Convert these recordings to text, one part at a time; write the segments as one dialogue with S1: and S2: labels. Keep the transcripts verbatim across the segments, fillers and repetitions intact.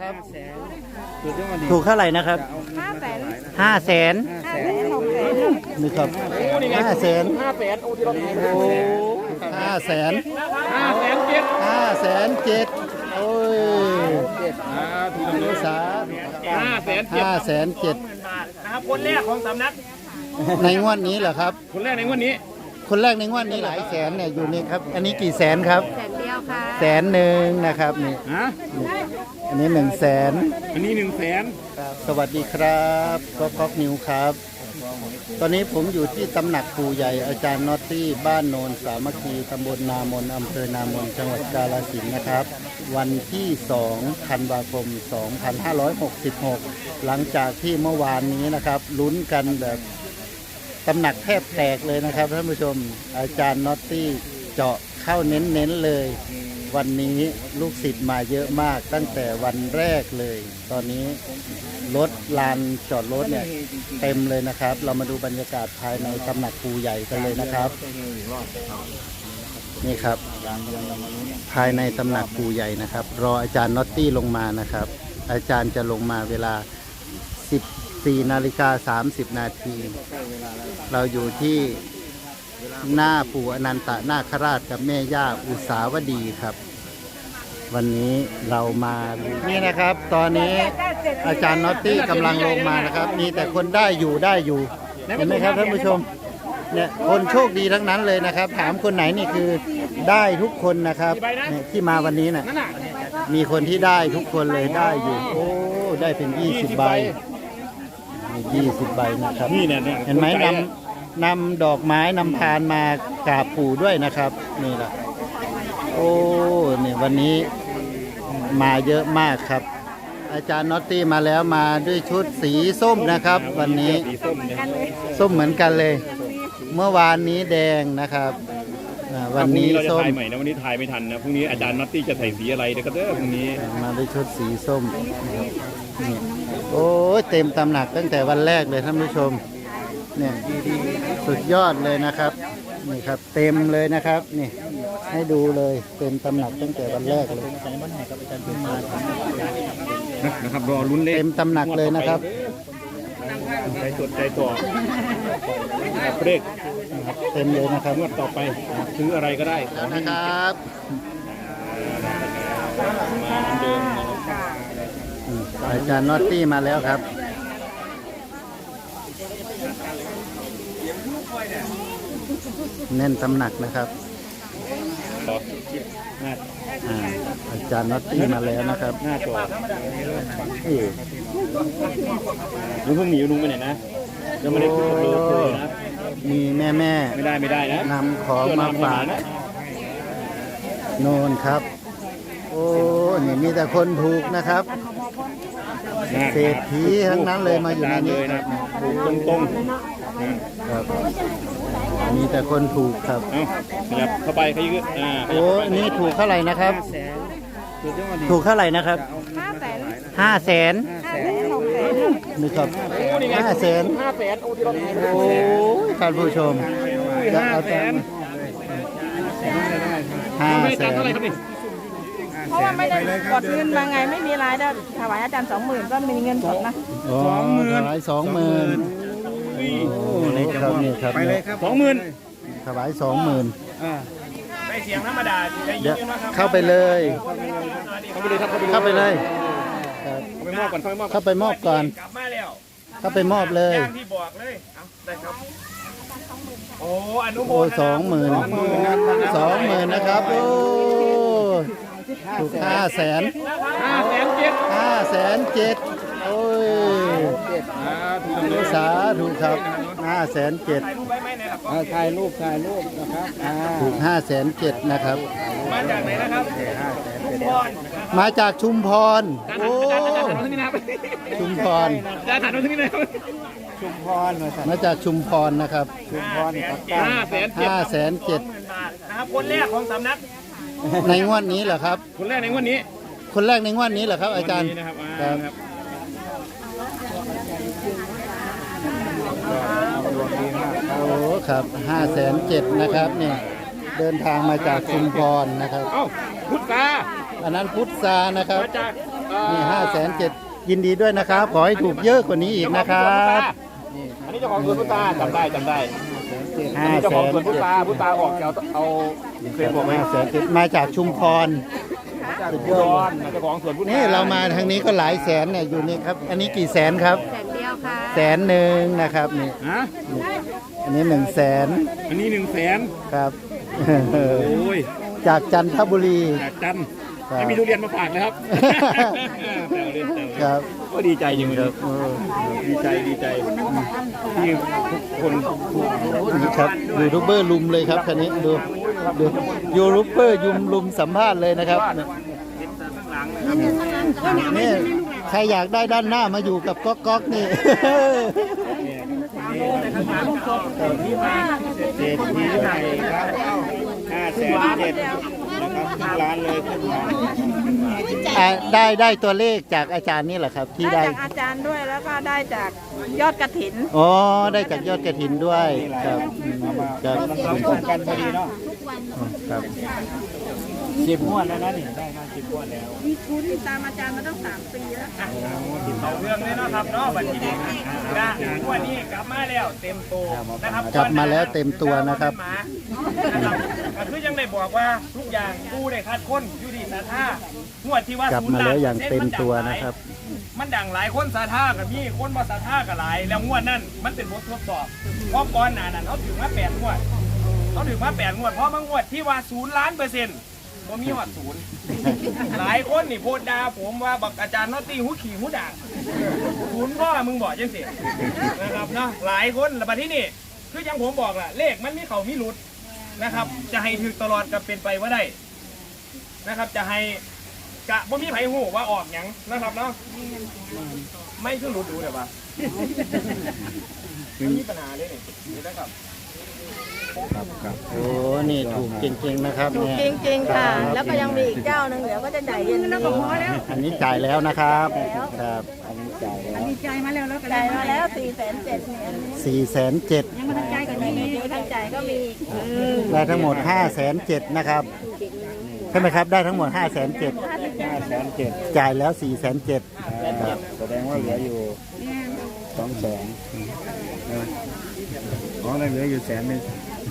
S1: ครับถูกเท่าไหร่นะครับห้าแสนห้าแสนนี่ครับห้าแสนห้าแสนโอ้ห้าแสนห้าแสนเจ็ดห้าแสนเจ็ดโอ้ยสาห้าแสนห้าแสนเจ็ด
S2: นะครับคนแรกของสำนัก
S1: ในงวดนี้เหรอครับ
S2: คนแรกในงวดนี้
S1: คนแรกในงวดนี้หลายแสนเนี่ยอยู่นี่ครับอันนี้กี่แสนครับ
S3: แสนเดียวค่ะ
S1: แสนหนึ่งนะครับนี่อันนี้หนึ่งแสน
S2: อันนี้หนึ่งแสน
S1: สวัสดีครับก็ก๊อกนิวครับตอนนี้ผมอยู่ที่ตำหนักปู่ใหญ่อาจารย์น็อตตี้บ้านโนนสามัคคีตำบลนามนอำเภอนามนจังหวัดกาฬสินธุ์นะครับวันที่สองธันวาคมสองพันห้าร้อยหกสิบหกหลังจากที่เมื่อวานนี้นะครับลุ้นกันแบบตำหนักแทบแตกเลยนะครับท่านผู้ชมอาจารย์น็อตตี้เจาะเข้าเน้นๆเลยวันนี้ลูกศิษย์มาเยอะมากตั้งแต่วันแรกเลยตอนนี้รถลานจอดรถเนี่ยเต็มเลยนะครับเรามาดูบรรยากาศภายในตำหนักปู่ใหญ่กันเลยนะครับนี่ครับภายในตำหนักปู่ใหญ่นะครับรออาจารย์น็อตตี้ลงมานะครับอาจารย์จะลงมาเวลาสิบสี่นาฬิกาสามสิบนาทีเราอยู่ที่หน้าปู่อนันตนาคราชกับแม่ย่าอุษาวดีครับวันนี้เรามานี่นะครับตอนนี้อาจารย์น็อตตี้กำลังลงมานะครับมีแต่คนได้อยู่ได้อยู่เห็นไหมครับท่านผู้ชมเนี่ยคนโชคดีทั้งนั้นเลยนะครับถามคนไหนนี่คือได้ทุกคนนะครับเนี่ยที่มาวันนี้น่ะมีคนที่ได้ทุกคนเลยได้อยู่โอ้ได้เป็นยี่สิบใบยี่สิบใบนะครับเห็นไหมนำนำดอกไม้นำพานมากราบปู่ด้วยนะครับนี่แหละโอ้เนี่ยวันนี้มาเยอะมากครับอาจารย์น็อตตี้มาแล้วมาด้วยชุดสีส้มนะครับวันนี้ส้มเหมือนกันเลยเมื่อวานนี้แดงนะครับวันนี้ส้ม
S2: ใหม่นะวันนี้ถ่ายไม่ทันนะพรุ่งนี้อาจารย์น็อตตี้จะใส่สีอะไรเดี๋ยวก็เด้อพรุ่งนี้
S1: มาด้วยชุดสีส้มนี่โอ้เต็มตำหนักตั้งแต่วันแรกเลยท่านผู้ชมเนี่ยสุดยอดเลยนะครับนี่ครับเต็มเลยนะครับนี่ให้ดูเลยเต็มตำหนักตั้งแต่วันแรกเลย
S2: นะครับรอลุ้นเลข
S1: เต็มตำหนักเลยนะครับ
S2: ใจจดใจต่อเลข
S1: เต็มเลยนะครับ
S2: งวดต่อไปซื้ออะไรก็ได้
S1: นะครับ
S2: มาเดิม
S1: อาจารย์น็อตตี้มาแล้วครับแน่นตำหนักนะครับอาจารย์น็อตตี้มาแล้วนะครับ
S2: หน้าจอลุงเพิ่งหนีลุงไปไหนนะยังไม่ได้ขึ้นกับเลยนะ
S1: มีแม่แม่
S2: ไม่ได้ไม่ได้นะ
S1: นำของมาฝากโน่นครับโอ้นี่มีแต่คนถูกนะครับเศรษฐีทั้งนั้นเลยมาอยู่ในนี้
S2: นะตรงตรง
S1: ครับมีแต่คนถูกครับ
S2: เอาขยับเข้าไปขยืดอ่า
S1: โอ้นี่ถูกเท่าไหร่นะครับถูกเท่าไหร่นะครับห้าแสนนี่ครับห้าแสนโอ้ท่านผู้ชมจะเอาแต่ห้าแสน
S3: เพราะว่าไม่ได้กดเงินมาไงไม่มีรายได้ถวายอาจารย์สองหมื่นก็มีเงินสดนะ
S1: สองหมื่นถวายสองหมื่นโอ้นี่ครับนี่ครับ
S2: ไปเลยครับสองหมื่น
S1: ถวายสองหมื่น
S2: ไม่เสียงธรรมดา
S1: เข้าไปเลยเข้าไปเลยเข้าไปมอบก่อนเข้าไปมอบเลย
S2: ที่บอกเลยได้ครับโอ้อนุโมทนา
S1: สองหมื่นสองหมื่นนะครับโอ้ถูกห้าแสน
S2: ห้าแสนเจ็ด
S1: ห้าแสนเจ็ดโอ้ยสาถูกครับห้าแสนเจ็ด
S4: ถ่ายรูปถ่ายรูปนะครับ
S1: ถูกห้าแสนเจ็ดนะครับ
S2: มาจากไหนนะครับ
S1: มาจากชุมพรโอ้ชุมพร
S2: จะถ่ายตรงนี้นะครับ
S4: ชุมพร
S1: มาจากชุมพรนะครับ
S4: ชุมพร
S2: ห้าแสนเจ็ด
S1: ห้าแสนเจ็ด
S2: นะครับคนแรกของสำนัก
S1: ในงวดนี้เหรอครับ
S2: คนแรกในงวดนี้
S1: คนแรกในงวดนี้เหรอครับอาจารย์ครับโอ้ครับห้าแสนเจ็ดนะครับเนี่ยเดินทางมาจากชุมพรนะครับ
S2: เอ้าพุทธา
S1: อันนั้นพุทธานะครับ
S2: มาจาก
S1: นี่ห้าแสนเจ็ดยินดีด้วยนะครับ ขอให้ถูกเยอะกว่านี้อีกนะครับ
S2: อันนี้เจ้าของสวนพุทราจำได้จำได้
S1: ห้า
S2: เจ้า
S1: แส
S2: ของ
S1: น
S2: สวนพุ
S1: เจ็ด
S2: ทราพุทราออกเอาเอาเคยบอกไหม
S1: ห้าแสนเจ็ดมาจากชุมพร สุดยอด
S2: เจ้าของสวนพุทรา
S1: นี่เรามาทางนี้ก็หลายแสนเนี่ยอยู่นี่ครับ อันนี้กี่แสนครับ
S3: แสนเดียวค่ะ
S1: แสนหนึ่งนะครับนี่
S2: ฮะ
S1: อันนี้หนึ่งแสน
S2: อันนี้หนึ่งแสน
S1: ครับ
S2: โอ้ย
S1: จากจันทบุรี
S2: จากจันทร์
S1: ครับ
S2: ให้มีทุเรียนมาฝากนะครับแซวเล่นแซว
S1: ค
S2: เล่น
S1: รับ
S2: ก็ดีใจจริงเลย
S1: เออ
S2: ดีใจดีใจที่ทุกคน
S1: นี่ครับยูทูบเบอร์ลุมเลยครับคันนี้ดูดูยูทูบเบอร์ยุมลุมสัมภาษณ์เลยนะครับนี่ใครอยากได้ด้านหน้ามาอยู่กับก๊อกก๊อกนี่
S4: เศรษฐีใหม่ครับห้าแสนเจ็ดนะครับทุกร้านเลยขึ้นมา
S1: อ่าได้ได้ตัวเลขจากอาจารย์นี่แหละครับ ที่
S3: ได้
S1: ได้
S3: จากอาจารย์ด้วยแล้วก็ได้จากยอดกระถิน
S1: อ๋อได้จากยอดกระถินด้วยครับอืมครับ
S4: มันตรงกันพอดีเนาะ
S1: ครับ
S4: สิบงวดแล้วนะนี่ได้มาสิบงวดแล้ว
S3: ติดตามอาจารย์มาตั้งสามปีแล้ว
S5: เอาเรื่องเลยเนาะครับเนาะบัดนี้นะวันนี้กลับมาแล้วเต็มตัวนะครับ
S1: กลับมาแล้วเต็มตัวนะครับ
S5: นะครับก็คือยังได้บอกว่าทุกอย่างกูได้คัดค้นอยู่ที่สาธางวดที่ว่าก
S1: ลับมาแล้วอย่างเต็มตัวนะครับ
S5: มันดังหลายคนสาธากับมีคนบ่สาธากับหลาย แล้วงวดนั้นมันเป็นบททดสอบเพราะก่อนหน้านั้นเขาถึงมาแปดงวดเขาถึงมาแปดงวดเพราะบางงวดที่ว่าศูนย์ล้านเปอร์เซ็นต์บ่มีหอดศูนย์ หลายคนนี่โพดดาผมว่าบักอาจารย์นอตตี้หูขี่หูด่างศูนย์พ่อมึงบอกยังเสียนะครับเนาะหลายคนแล้วบัดที่นี่คือยังผมบอกล่ะเลขมันมีเขามีหลุดนะครับ จะให้ถึกตลอดก็เป็นไปว่าได้นะครับ จะให้กะบ่มีไผหูว่าออกหยังนะครับเนาะไม่คือหลุดดูเดี๋ยวว่ามันมีปัญหาเลยนี่นี่นะครับ
S1: โอ้นี่ถูกจริงๆนะครับ
S3: ถูก
S1: เนี่ย
S3: จริงๆค่ะ แล้วก็ยังมีอีกเจ้าหนึ่งเดี๋ยวก็จะจ่ายเย็นนี้
S1: อันนี้จ่ายแล้วนะครับครับ
S3: จ่ายมาแล้วสี่แสนเจ็ดเนี่ย
S1: สี่แสนเจ็ด
S3: ยังไม่ทันจ่ายก็มีไม่ทันจ่ายก็มีอีก
S1: ได้ทั้งหมดห้าแสนเจ็ดนะครับใช่ไหมครับได้ทั้งหมดห้าแสนเจ็ด
S4: ห้าแสนเจ็ด
S1: จ่ายแล้วสี่แสนเจ็ด
S4: แสดงว่าเหลืออยู่สองแสนอ๋อเหลืออยู่แสนหนึง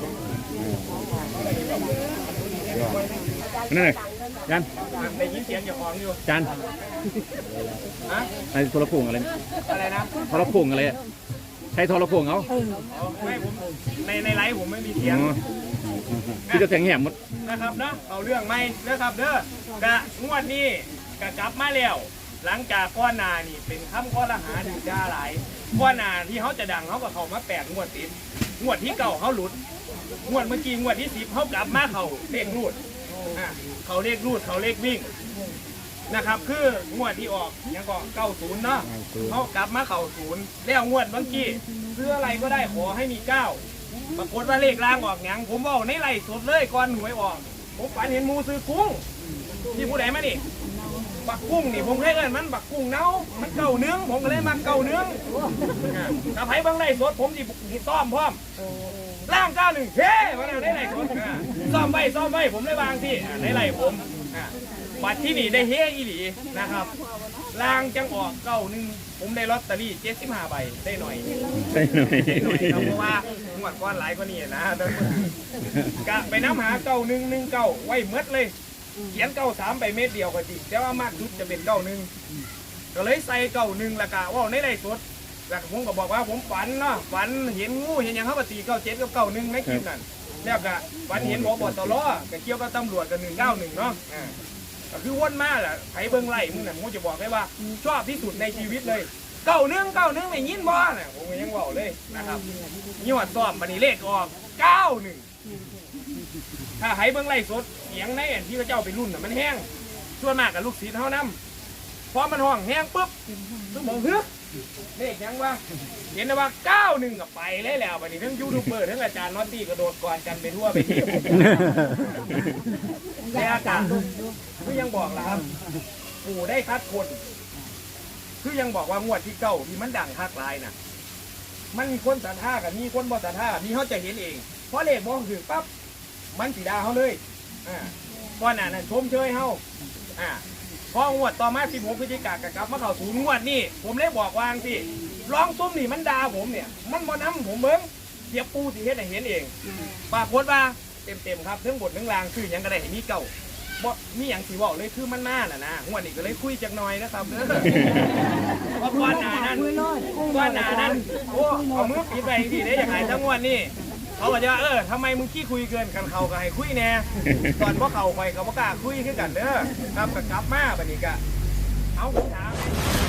S2: นั่นเลยยัน
S5: ได้ยินเสียงอย่างของอยู่
S2: จัน
S5: ฮะ
S2: ไอ้โทรโขงอะไร
S5: อะไรนะ
S2: โทรโขงอะไรอะใช้โทรโขงเขา
S5: ไม่ผมในในไลฟ์ผมไม่มีเสียง
S2: อ๋อที่จะเสียงแหบหมด
S5: นะครับเนาะเอาเรื่องไม่นะครับเด้อกะงวดนี้กะกลับมาแล้ว หลังจากก้อนหนานี่เป็นคำข้อละหาดูจ้าหลายก้อนหนาที่เขาจะดังเขาก็เข้ามาแปดงวดติดงวดที่เก่าเขาหลุดงวดเมื่อกี้งวดที่สิบเขากลับมาเขาเลขรูดอ่ะเขาเลขรูดเขาเลขวิ่งนะครับ คืองวดที่ออกยังก็เก้าศูนย์เนาะเขากลับมาเข่าศูนย์แล้วงวดเมื่อกี้ซื้ออะไรก็ได้ขอให้มีเก้า ปรากฏว่าเลขล่างออกหยังผมบอกในไล่สดเลยก่อนหวยออก ผมฝันเห็นหมูซื้อกุ้งที่ผู้ใดมานี่บักกุ้งนี่ผมเคยเอิ้นมันบักกุ้งเน่ามันเก่าเนื้องผมก็เลยมาเก่าเนื้องถ้าไผเบางไล่สดผมสิซ่อมพร้อมล่างเก้าหนึ่งเฮ้มาแล้วในไล่สดอ่าซ่อมไว้ซ่อมไว้ผมได้วางที่อ่าในไล่ผมอ่าบัตรที่นี่ได้เฮ้อีหลีนะครับล่างจังออกเก้าหนึ่งผมได้ลอตเตอรี่เจ็ดสิบห้าใบได้หน่อย
S2: ใช่หน่อย
S5: หน่อยครับเพราะว่างวดก้อนหลายกว่านี้นะเดินกะไปน้ำหาเก้าหนึ่งหนึ่งเก้าไว้เมดเลย เขียนเก้าสามไปเม็ดเดียวก็จริงแต่ว่ามากสุดจะเป็นเก้าหนึ่งก็เลยใส่เก้าหนึ่งละกะว่าในไรสดแล้วผมก็บอกว่าผมฝันเนาะฝันเห็นงูเห็นอย่างเขาปฏิเก้าเจ็ดกับเก้าหนึ่งในคลิปนั่นแล้วก็ฝันเห็นบอบตลอก็เกี่ยวกับตำรวจกับหนึ่งเก้าหนึ่งเนาะอ่าก็คือวนมาแหละไผเบิ้งไล่มึงน่ะผมจะบอกให้ว่าชอบที่สุดในชีวิตเลยเก้าหนึ่งเก้าหนึ่งไม่ยินบ่น่ะผมก็ยังบอกเลยนะครับยี่ห้อซ้อมบันนี้เลขออกเก้าหนึ่งถ้าไผเบิ้งไล่สดเสียงในอันที่พระเจ้าไปรุ่นน่ะมันแห้งส่วนมากกับลูกศิษย์เท่านั้นพอมันห้องแห้งปุ๊บต้องบอกเฮ้ยเลขยังว่าเห็นนะว่าเก้าหนึ่งกับไปเลยแล้วบันนี้ทั้งยูทูบเบอร์ทั้งอาจารย์นอตตี้กระโดดก่อนกันไปทั่วไปที่ในอากาศคือยังบอกแล้วครับปู่ได้คัดคนคือยังบอกว่างวดที่เก้าที่มันดังคักลายน่ะมันมีคนศรัทธากับมีคนบ่ศรัทธามีเขาจะเห็นเองเพราะเลขมองถึงปั๊บมันสีดาเขาเลยอ่าก้อนหน้านั้นชมเชยเขาอ่าพองวดต่อมาสิบหกพฤศจิกายนกลับมาเข้าศูนย์งวดนี่ผมเลยบอกวางสิร้องซุ้มนี่มันด่าผมเนี่ยมันบ่นำผมเบิ่งเสียปูสิเฮ็ดให้เห็นเองปรากฏว่าเต็มๆครับทั้งบททั้งรางคือหยังก็ได้ให้มีเก่าบ่มีหยังสิเว้าเลยคือมันมาน่ะนะงวดนี้ก็เลยคุยจักหน่อยนะครับเด้อเพราะก่อนหน้านั้นก่อนหน้านั้นโอ้เอามือปิดไปสิได้ยังไงทั้งงวดนี่เขาบอกว่าเออทำไมมึงขี้คุยเกินกันเขาก็ให้คุยแน่ตอนพวกเขาไปเขาบ่กล้าคุยคือกันเด้อครับก็กลับมาบัดนี้ก็เอาผมถาม